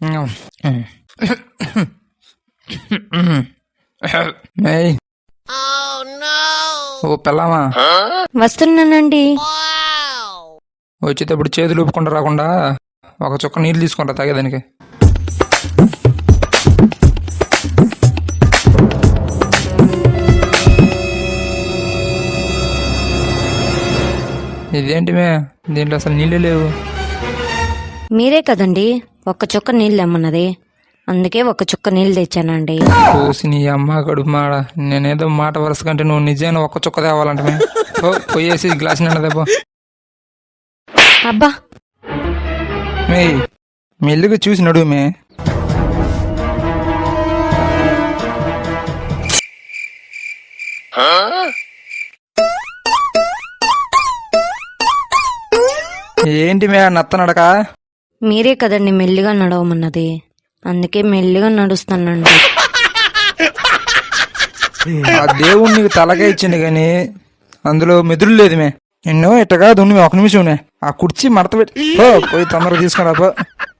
ఓ పిల్లమా, వస్తున్నానండి. వచ్చేటప్పుడు చేతులు ఊపుకుండా రాకుండా ఒక చుక్క నీళ్ళు తీసుకుంటా తాగేదానికి. ఇదేంటి మే, దీంట్లో అసలు నీళ్ళే లేవు. మీరే కదండి ఒక్క చుక్క నీళ్ళు తెమ్మన్నది, అందుకే ఒక చుక్క నీళ్ళు తెచ్చానండి. పోసి నీ అమ్మ కడుపు మాడ, నేనేదో మాట వరుస కంటే నువ్వు నిజంగా ఒక్క చుక్క తేవాలంటే మే. ఓ పోయేసి గ్లాస్ నిండా దెబ్బ. అబ్బా, మే మెల్లిగా చూసి నడువు మే. ఏంటి మే నత్త నడక? మీరే కదండి మెల్లిగా నడవమన్నది, అందుకే మెల్లిగా నడుస్తానండి. ఆ దేవుడు నీకు తలగా ఇచ్చింది కానీ అందులో మెదురు లేదు మే. ఎన్నో ఇట్టగా దున్ను ఒక నిమిషం ఆ కుర్చీ మడత పెట్టి పోయి తొందరగా తీసుకురా పో.